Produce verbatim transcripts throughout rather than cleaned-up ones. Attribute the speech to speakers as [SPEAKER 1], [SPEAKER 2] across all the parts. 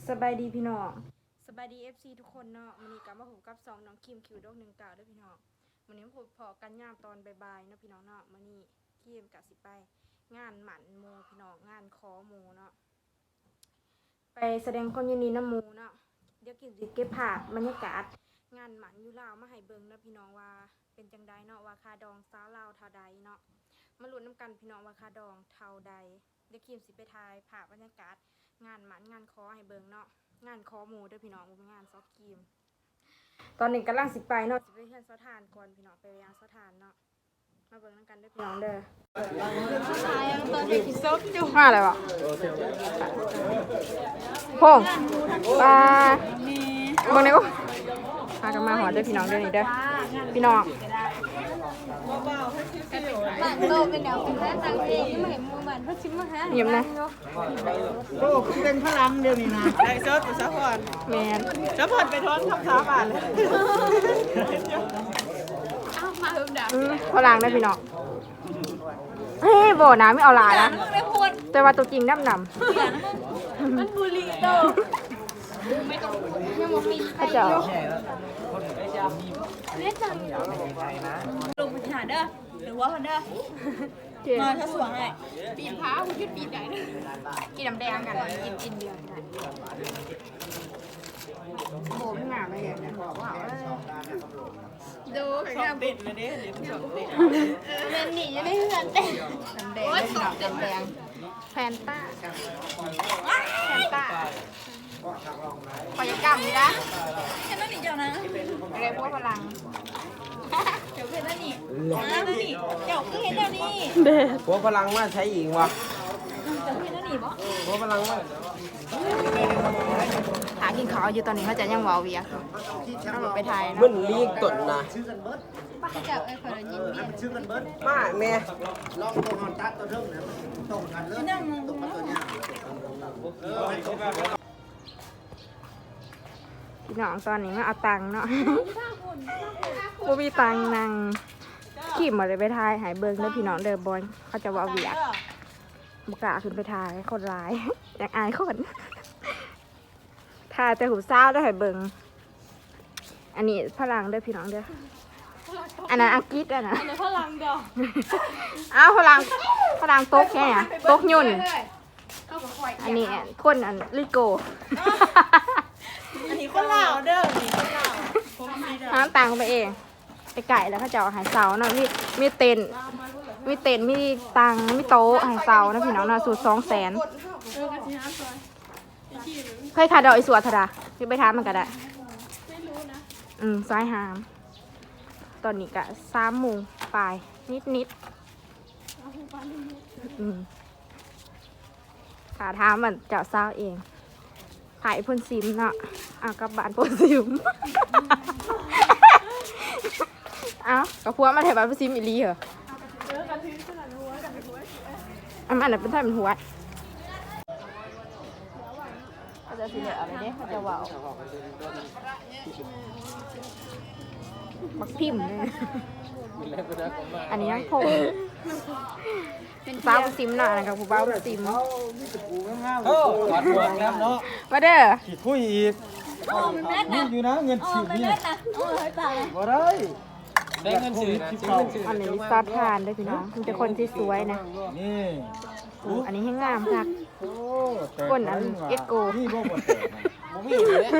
[SPEAKER 1] สบายดีพี่น้องสบายดี เอฟ ซี ทุกคนเนาะวันนี้กลับมาพบกับสองน้องคิมคิวดอกหนึ่งเก่าด้วยพี่น้องวันนี้ผมพอกันยามตอนบ่ายๆเนาะพี่น้องเนาะวันนี้คิมกับสิไปงานหมันโมพี่น้องงานคอโมเนาะไปแสดงความยินดีน้ำโมเนาะเดี๋ยวกินสิเก็บภาพบรรยากาศงานหมันอยู่ลาวมาให้เบิ่งเนาะพี่น้องว่าเป็นจังใดเนาะว่าคาดองสาวลาวเท่าใดเนาะมาลุ้นน้ำกันพี่น้องว่าคาดองเท่าใดเดี๋ยวคิมสิไปถ่ายภาพบรรยากาศงานหมันงานคอให้เบิ่งเนาะงานคอหมูด้วยพี่น้องเป็นงานซอฟครีมตอนนี้กำลังสิไปเนาะสิไปเฮียนซอทานก่อนพี่น้องไปยางซอทานเนาะมาเบิ่งน้ำกันด้วยพี่น้องเด้อตอนเด็กซอฟอยู่มาอะไรวะพงปลาเบิ่งได้กูพากันมาหอด้วยพี่น้องเด้อนี่เด้อพี่น้องบ้านโตเป็นเดี๋ยวเป็นแม่ตังเองไม่เห็นมือมันเขาชิมมาฮะเยี่ยมนะ
[SPEAKER 2] โอ้เป็นพลังเดียวนี่นะไอ้เซิร์ฟซัพพอร์ต
[SPEAKER 1] แมน
[SPEAKER 2] ซัพพอร์ตไปทอนคำสาบานเลย
[SPEAKER 1] มาหึมดาพลังได้พี่น้องเฮ้ยบ่น้ำไม่เอาหลายนะแต่ว่าตัวจริงดำดำมันบุรีโตไม่ต้องยังมีใครอยู่เล่นจังลงไปหาเด้อหรือว่าพันเด้อมาถ้าสวงไงปีนพ้าคุณคิดปีนไหนกินน้ำแดงกันกินกินเดียวได้โบไม่หนาเลยเนี่ยบอกว่าดูสองเด็ดเลยเนี่ยสองเด็ดเล่นหนีจะได้เงินเต็มน้ำแดงน้ำแดงแฟนต้าแฟนต้าพยากรรมนี่นะเห็นแล้วนี่เจ้านะอะไรพวกพลังเดี๋ยวเห็นแล้วนี่แล้วนี่เจ้าคือเห็นแล้วนี่
[SPEAKER 3] พวกพลังว่าใช้หญิงวะ
[SPEAKER 1] เจ้าเห็นแล้วนี่บ่
[SPEAKER 3] พวกพลังว่า
[SPEAKER 1] หากินข้าวอยู่ตอนนี้เขาจะยังวาวเวียเอาไปถ่าย
[SPEAKER 3] มันลีกตนนะ
[SPEAKER 1] เจ้าไอ้คนยินเมีย
[SPEAKER 3] มาแม่
[SPEAKER 2] ลองตัวหอนตัดตัวเริ่มเนี่ยตรงกันเลยตรงกันตัวเนี้ย
[SPEAKER 1] พี่น้องตอนนี้มาเอาตังค์เนาะบ่มีตังค์นั่งขี่มาเลยไปถ่ายหายเบิ้งเด้อพี่น้องเด้อบอลเขาจะว่าเวียบุกล้าขึ้นไปถ่ายคนร้ายอยากอายคนถ่ายแต่หูเศร้าได้หายเบิ้งอันนี้พลังเด้อพี่น้องเด้ออันนั้นอังกฤษอ่ะนะอันนั้นพลังเด้ออ้าวพลังพลังโต๊ะแค่ไหนโต๊ะยุ่นอันนี้คนอันลิโก
[SPEAKER 2] อันนี้คนลาวเด้อนี่คนลาว
[SPEAKER 1] น้ำตังไปเองไปไก่แล้วเขาจะเอาหายเสาเนาะมีมีเต็นมีเต็นมีตังมีโต๊ะหายเสานะพี่น้องนะสูตรสองแสนเคยขาดดอกอีสวดธดาที่ไปทำมันก็ได้อืมซ้ายหามตอนนี้ก็สามโมงปลายนิดนิดอืมขาท้ามันเจ้าเศร้าเองขายพ่นซิมเนาะอ่ะกับบานพ่นซิมเอ้ากับพัวมาถ่ายบานพ่นซิมอีลีเหรออันนั้นเป็นท่าเป็นหัวเขาจะสิเหลืออะไรเนี่ยเขาจะว่าวบักพิมพ์เลยอันนี้ยังคงเป็นบ้าพ่นซิมหน่อยกับผู้บ้าพ่นซิม
[SPEAKER 3] โอ้ขอดหมวกแล้วเนาะ
[SPEAKER 1] มาเด้อ
[SPEAKER 3] ขีดคุยอีกนี่อยู่นะเงินฉีดนี่บ่ได้ได้เงินฉีดนะ
[SPEAKER 1] อันนี้ซอสทานด้วยพี่น้องมันจะคนที่สวยนะ
[SPEAKER 3] นี่
[SPEAKER 1] อันนี้ให้งามค่ะคนอันเอ็ดโก
[SPEAKER 3] นี่บ่บ่แต่บ่มีเลย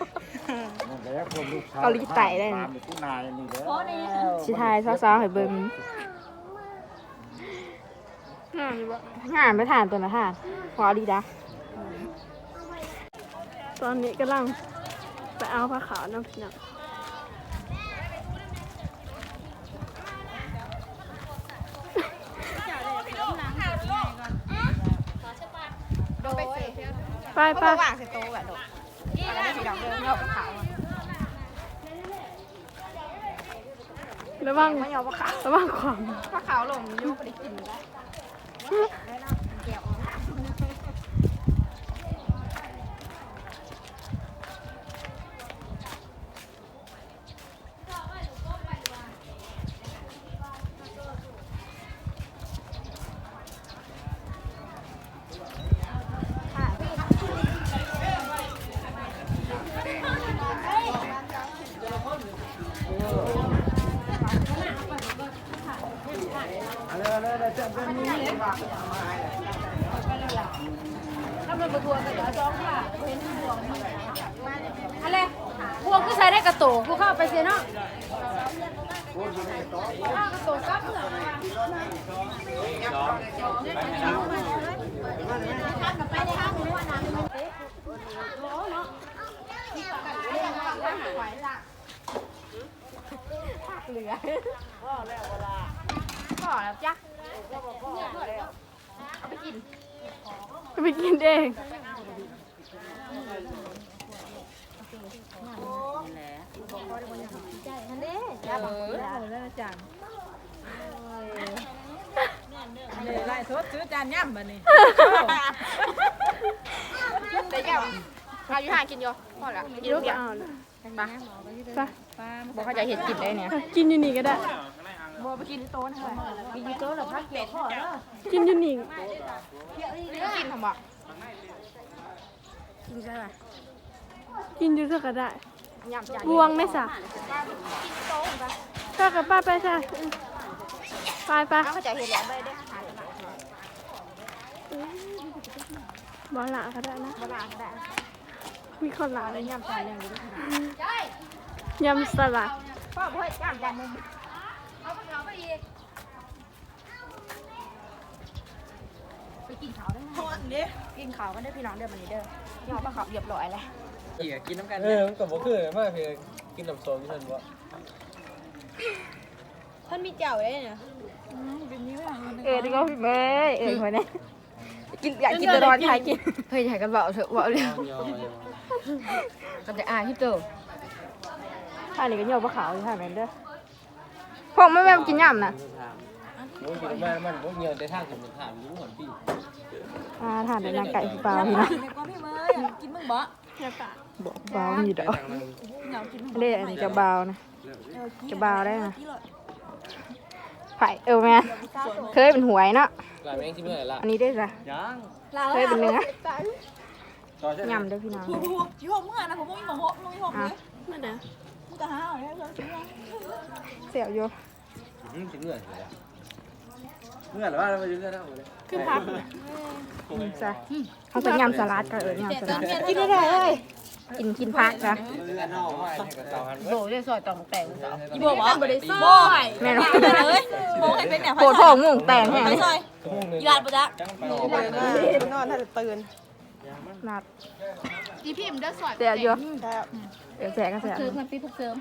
[SPEAKER 1] เกาหลีใต้ได้นะชิทายซ้อๆให้เบิ่งงานไปทานตัวนะทานพอดีดะตอนนี้กำลังไปเอาผ้าขาวน้ำพี่น้องไปไปวางใส่โต๊ะแบบดอกอะไรได้สีดำเดิมเงาขาวระวังไม่เอาผ้าขาวระวังความผ้าขาวลงยุ่งไปกินได้ถ้ามันบทัวก็เดี๋ยวจ้องค่ะเห็นพวงอะไรพวงก็ใส่ได้กระโตกกูเข้าไปเสียเนาะข้าวกระโตกกับเหรอข้าวกับไปได้ข้าวหมูว่าน้ำมันเต๊ะโอ้เนาะผักเหลือพ่อแล้วเวลาพ่อแล้วจ้ะเอาไปกินไปกินเองนั่นเด้จ้าบอกแล้วจานเลยไล่สดซื้อจานย่ำมานี่แต่ย่ำเอาอยู่ห่างกินอยู่พอละกินทุกอย่างไปบอกเขาจะเห็ดกินได้เนี่ยกินอยู่นี่ก็ได้บัวไปกินที่โต๊ะนะกินที่โต๊ะหรอพักเกี่ยวพ่อแล้วกินอยู่นี่กินทำบ่กินใช่ไหมกินอยู่ก็ได้บวงไม่สะก็กับป้าไปใช่ไปไปเขาจะเห็นแล้วไปได้หาตลาดบอลละก็ได้นะบอลละก็ได้มีคนละเลยยำจานยังดียำสลัดพ่อเพื่อนยำจานนึงเอาไปเขาไปอีกไปกินข้าวได้ไหมกินข้าวกันได้พี่น้องเด้อมันนี้เด้อยอมมาข้าวเรียบร้อยแล้ว
[SPEAKER 3] อีกกินน้ำกันเออมันก็บ่คือมากเพียงกินน้ำส้มเพิ่นบ่
[SPEAKER 1] ท่านมีเจ้าได้เนี่ยเออดีก็พี่เบ้เออคนนี้กินอยากกินตะดอนใครกินเฮ้ยถ่ายกันเบาเถอะเบาเร็วก็จะอายที่เติมท่านี้ก็เหนียวปลาขาวอยู่ท่านั้นเด้อพวกไม่แม่กินย่ำนะ
[SPEAKER 3] มันกินมามันบ่เหนียวแต่ทางสมุนถามอยู่หมดพี่
[SPEAKER 1] อ่าทานในนางไก่เปล่าพี่นะกินมึงบ่บอกเบาอยู่ดอกเล่อันนี้จะเบานะจะเบาได้นะไผ่เออแม่เคยเป็นหวยเนาะอันนี้ได้จ้ะเคยเป็นเนื้อยำด้วยพี่น้อง
[SPEAKER 4] ยี่ห้อเมื่อนะผมไม่มีหมอหกไม่มีหกเลยนั่นเด้อมึงจะหาเอาเนี่ยเราซื้อ
[SPEAKER 1] เสี่ยวอยู่
[SPEAKER 3] ถึงเมื่อเมื่อหรือว่าเราไปยืนกันแล้ว
[SPEAKER 1] ขึ้นพักจ้ะเขาเป็นยำสลัดก็เออยำสลัดกินได้เลยกินกินพักจ้ะโบได้ซอยตองแต่งจ้ะ
[SPEAKER 4] ยี่บัวบอกบริสุทธิ์
[SPEAKER 1] แม่น้อง
[SPEAKER 4] เลยโบให้เป็นเนี่ย
[SPEAKER 1] โผล่ทองงงแต่งแห้ง
[SPEAKER 4] ซอยยีราฟปะจ๊ะ
[SPEAKER 2] นอนถ้าจะตื่น
[SPEAKER 1] นัด
[SPEAKER 4] จีพิมพ์ได้สวย
[SPEAKER 1] เสียเยอะเดี๋ยวแสก็เสีย
[SPEAKER 4] เสริมมันปีพวกเสริม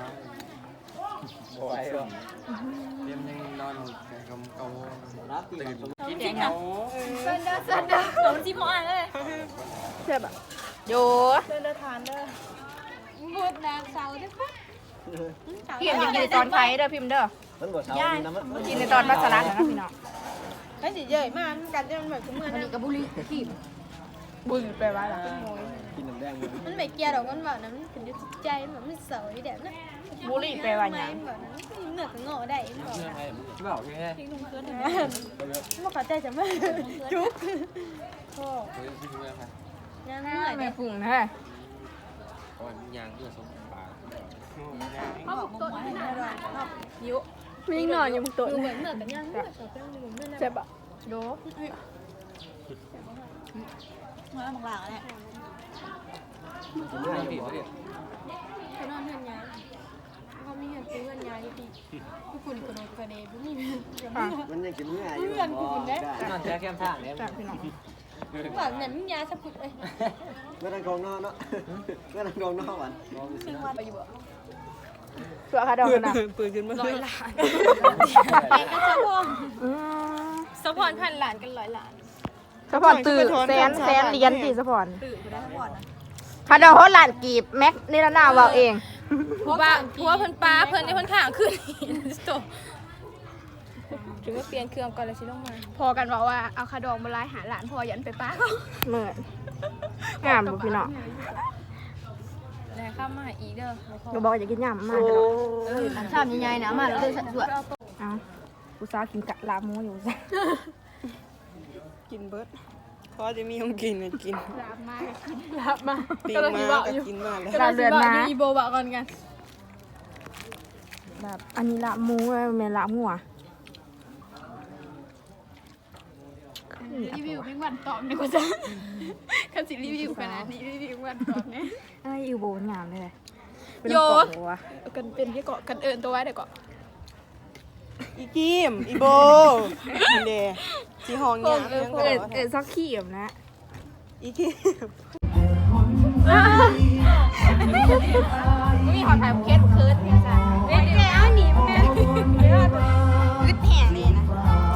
[SPEAKER 3] บ่ไหวหรอกเตรียมยังนอนกำกำตื่นกินกินเขา
[SPEAKER 4] เส้นเด้อเส้นเด้อเดี๋ยวมันจิ้มอ่ะเลย
[SPEAKER 1] เสียแบบโย
[SPEAKER 4] เส้นเด้อทานเด้อบุดนางเสาเด้อ
[SPEAKER 1] พิมพ์ยังกินตอนไทยเด้อพิมพ์เด้อกินในตอนมัสลัดนะพี่น้อง
[SPEAKER 4] ไอ้สิเยอะมากกันจะมันแบบเมื่อ
[SPEAKER 1] นี่กับบุรีพิมพ์บุญไปไว้หรอ
[SPEAKER 3] กินน้ำแดง
[SPEAKER 4] มันไม่เกี่ยวหรอกมันแบบนั้นมันเป็นใจแบบมันเสาที่เด็ดนะ
[SPEAKER 1] บุรีไปไว้ยัง
[SPEAKER 4] แบบนั้นเหนือกงอได้บอกนะ
[SPEAKER 3] บอกแค่
[SPEAKER 4] ทิ้งลงเพื่อนมาขอใจจะไม่จุ๊บโอ้
[SPEAKER 1] ยังเหนื่อยไม่ฝุ่งนะ
[SPEAKER 3] ก่อนยางเพื่อสมปาก
[SPEAKER 4] เขาบอกตัวนี้น่ารัก
[SPEAKER 1] ยุมีหน่อยยังตัว
[SPEAKER 4] เหมือนเหมือนกันยังเหมือนกัน
[SPEAKER 1] เจ็บอ่ะโด
[SPEAKER 4] มาบางหลังเนี่ยเขานอนเพื่อนยายเขามีเงินซื้อเงินยายที่ผู้คุณกระโดดกระเดยผู้มี
[SPEAKER 2] มันยังกินง่ายอยู่
[SPEAKER 4] เงินคุณได้
[SPEAKER 3] นอนแค่แคมทางเนี่ย
[SPEAKER 1] พี่น้อง
[SPEAKER 4] แบบนั้นยาสะพุดเลย
[SPEAKER 2] เมื่อนั้นกองนอนเนาะเมื่อนั้นกองนอนวัน
[SPEAKER 4] ซึ่งวันไปอยู่บ่
[SPEAKER 1] เสือขาดองนะ
[SPEAKER 4] ปืนขึ้นมาร้อยล้านไปก็จะพงสะพอนพันล้านกันร้อยล้าน
[SPEAKER 1] สปอนตื่นแซนแซนเรียนตีสปอนขาดองเขาหลานกีบแม็กนี่ละหน้าว่าเอง
[SPEAKER 4] เพราะว่าเพราะว่าเพิ่นปลาเพิ่นในเพิ่นข้างขึ้นถึงว่าเปลี่ยนเครื่องก่อนเลยสิลงมาพอกันบอกว่าเอาขาดองมาไล่หาหลานพอยันไปป้าเขา
[SPEAKER 1] เหมือนงามบุพี่น้อง
[SPEAKER 4] แล้วข้ามมาอีเด้อ
[SPEAKER 1] ก็บอกอย่ากินยำมาก
[SPEAKER 4] ชอบใหญ่ๆนะมาแล้วเลยสัดส่วน
[SPEAKER 1] เอากูสาวกินกะลาหมูอยู่จ้ะ
[SPEAKER 2] กินเบิร์ดพอจะมีของกินกันกิน
[SPEAKER 4] ลาบมากินลาบมา
[SPEAKER 2] ปีมาก็กินมาแล้ว
[SPEAKER 1] ลาเดือนมา
[SPEAKER 4] อีโบะก่อนกัน
[SPEAKER 1] แบบอันนี้ละหมูแม่ละหัว
[SPEAKER 5] รีวิวเป็นวันตอบดีกว่าจ้ะคันสิรีวิวขนาดนี้รีวิววันตอบเนี่ย
[SPEAKER 1] เอ้ยอยู่โบนงามเลย
[SPEAKER 5] โยกันเป็นที่เกาะกันเอิญตัวไว้เดี๋ยวเกาะ
[SPEAKER 2] อีกิมอีโบนี่เด้สิห้องเนี่ยเรื่อง
[SPEAKER 1] เอ
[SPEAKER 2] ก็
[SPEAKER 1] อเออซอกขี้มนะ
[SPEAKER 2] อีกิม
[SPEAKER 1] มีขอถ่ายเคสคืนเนี่ยจ้ะเด็กแกเอาหนีมันไงอึดแห่เลยนะ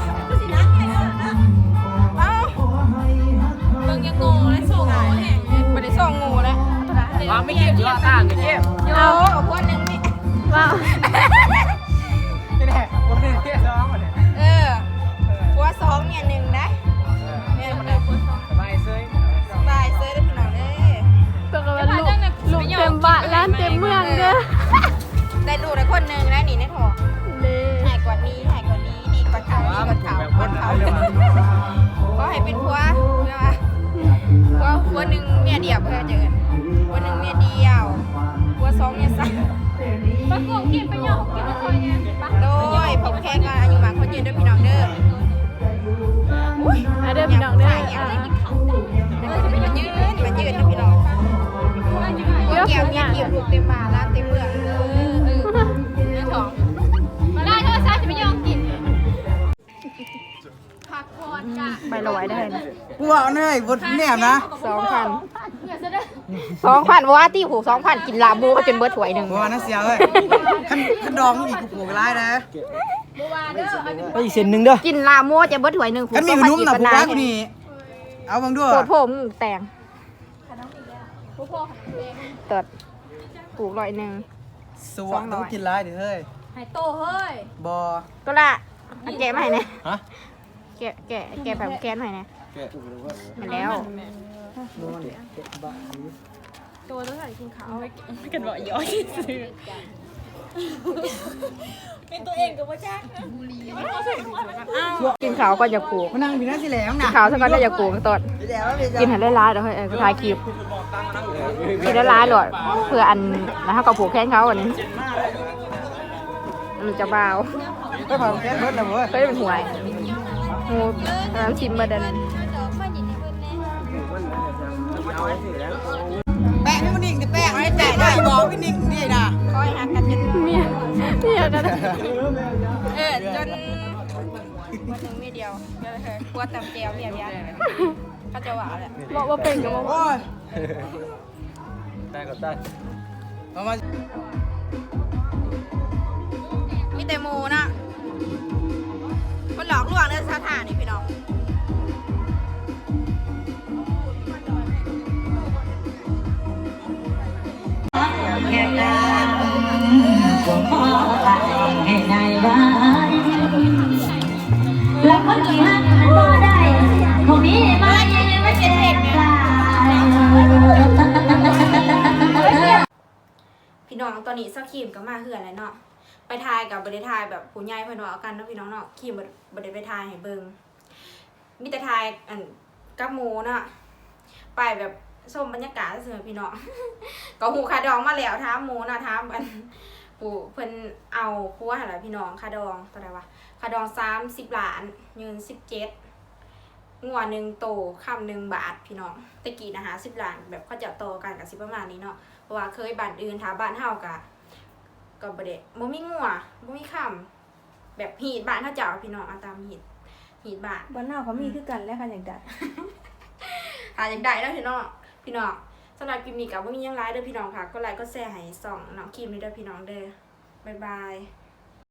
[SPEAKER 1] เอ้า
[SPEAKER 4] เบิ่งยังงงและส่งหัวแห้งเลย
[SPEAKER 1] ไม่ได้ส่งงูแล้ว
[SPEAKER 4] ว่าไม่เก็บที่ต่างกันเก็บ
[SPEAKER 1] เอาเอาคนหนึ่งนี่
[SPEAKER 5] ว้าว
[SPEAKER 3] นี่แหละคนนึงเที่ยซ้อมมาเนี่ย
[SPEAKER 1] เออหัวสองเนี่ยหนึ่งนะเนี่ยมันเลย
[SPEAKER 3] สบายเซ้ย
[SPEAKER 1] สบายเซอร์ได้พี่น้องเด้
[SPEAKER 5] ตัวกันลูกลูกเต็มบ้านร้านเต็มเมืองเด้อ
[SPEAKER 1] ได้ดูได้คนหนึ่งแล้วนี่ในท้อง
[SPEAKER 5] เด้
[SPEAKER 1] หายกว่านี้หายกว่านี้ดีกว่าเขาดีกว่าเขา
[SPEAKER 3] แบบ
[SPEAKER 1] ก
[SPEAKER 3] ค
[SPEAKER 1] ว่าน เขา
[SPEAKER 3] เขา
[SPEAKER 1] ก็ให้เป็นผัวใช่ไหมผัวผัวหนึ่งเมียเดียวเพื่อเจอกันผัวหนึ่งเมียเดียวผัวสองเมียสาม
[SPEAKER 4] ปะกงกินไปย่อกินมาคอยไงปะ
[SPEAKER 1] โดยผมแค่ก็อายุมากคนยืนด้วยพี่น้องเด้ออุ้ย
[SPEAKER 5] มาเด้อพี่น้องเด้อ
[SPEAKER 1] มันยืนมันยืนนะพี่น้องผัวแก้วเมียเกี่ยวลูกเต็มมาร้านเต็มเมืองเออเออเรื่องของ
[SPEAKER 4] มาได้เธอซะจะไปย่อกินผักพรกะ
[SPEAKER 1] ใบละไว้ได้นะ
[SPEAKER 3] กูว่าเนยบนแหนมนะ
[SPEAKER 1] สองพัน
[SPEAKER 4] เดี๋ยวจะได้
[SPEAKER 1] สองพันว่าที่หูสองพันกินลาบูเขาจนเบิดถ้วยหนึ่ง
[SPEAKER 3] กูว่าน่าเสียเลยขันขันดองอีกกูปลูกร้ายนะ
[SPEAKER 4] บัวเด้ออันนี้
[SPEAKER 3] ไปอีกเส้นหนึ่งเด้อ
[SPEAKER 1] กินลามูจะเบิดถ้วยหนึ่ง
[SPEAKER 3] ขันมีขนมหนักกูว่ากูนี่เอาบังด้วย
[SPEAKER 1] โคตรโผมแตง
[SPEAKER 4] บัวพ่อขนมแดง
[SPEAKER 1] เติดปลูกร้อยหนึ่ง
[SPEAKER 3] สวะต้องกินร้ายเดี๋ยวเฮ้ย
[SPEAKER 4] หายโตเฮ้ย
[SPEAKER 3] บอ
[SPEAKER 1] ก็ละเอาแกะมาให้เนี่ย
[SPEAKER 3] ฮะ
[SPEAKER 1] แกะแกะแกะแบบแกะหน่อยนะมาแล้ว
[SPEAKER 4] ตัวต้องใส่กินขาวกันบ่ย่อยซื้อเป็นตัวเองกับว่าจ้า
[SPEAKER 1] กินขาวก็จะปลูก
[SPEAKER 3] มานั่งพี่นั่งสิแหลม
[SPEAKER 1] กิ
[SPEAKER 3] นะ
[SPEAKER 1] นขาวสักก้อนก็จะปลูกตดกินให้ได้ร้ายเดี๋ยวให้เออก็ทายคลิปกินได้ร้ายหลอดเพื่ออันแล้วเขาก็ปลูกแข้งเขาอันนี้มันจะเบา
[SPEAKER 3] ไปผ่านแก๊สรถนะเว้ย
[SPEAKER 1] ก็จะเป็นหวยงูน้ำชิมมาดัน
[SPEAKER 3] แปะพี่มันนิ่งแต่แปะไม่แปะได้บอกพี่นิ่งนี่นะ
[SPEAKER 1] คอยหักกันจน
[SPEAKER 5] เมียเมียกัน
[SPEAKER 1] เออจนวันหนึ่งมีเดียวเดี๋ยวเธอกลัวตำเจียวเมียเมียเขาจะว่าแหละ
[SPEAKER 5] บอกว่าเป็นกับบอก
[SPEAKER 3] โอ้ยได้ก็ได้เอามา
[SPEAKER 1] มีแต่หมูนะมันหลอกลวงในสถานนี่พี่น้อง
[SPEAKER 6] แล้วคนที่หักมันบ่ได้คงมีมาไม่เจ็บเด็กเนี่ย
[SPEAKER 1] พี่น้องตอนนี้สักขีมก็มาเหือนแล้วเนาะไปทายกับบริทายแบบผู้ใหญ่เพิ่นว่าเอากันเนาะพี่น้องเนาะขีมบริไปทายให้เบิ่งมีแต่ทายอันกับหมูเนาะไปแบบชมบรรยากาศซื่อๆพี่น้อง ก็หูคาดองมาแล้วถามหมูเนาะถามอันผู้เพิ่นเอาผัวหั่นล่ะพี่น้องคาดองเท่าไหร่วะคาดองสามสิบล้านยืนสิบเจ็ดงัวหนึ่งโตคำหนึ่งบาทพี่น้องตะกี้นะฮะสิบล้านแบบเขาจะโตกันกับสิประมาณนี้เนาะเพราะว่าเคยบ้านอื่นถ้าบ้านเฮากะก็บ่ได้บ่มีงัวบ่มีคำแบบหีดบ้านเขาเจ้าพี่น้องเอาตามหีดหีดบ้าน
[SPEAKER 2] บ้านเฮาเขามีคือกันแล้วค่ะอย่างใด
[SPEAKER 1] หาอย่างใดแล้วพี่น้องพี่น้องสำหรับคลิปนี้ก็บ่มีหยังหลายเด้อพี่น้องค่ะก็ไลค์ก็แชร์ให้ส่องน้องคิมนี่เด้อพี่น้องเด้อบ๊ายบาย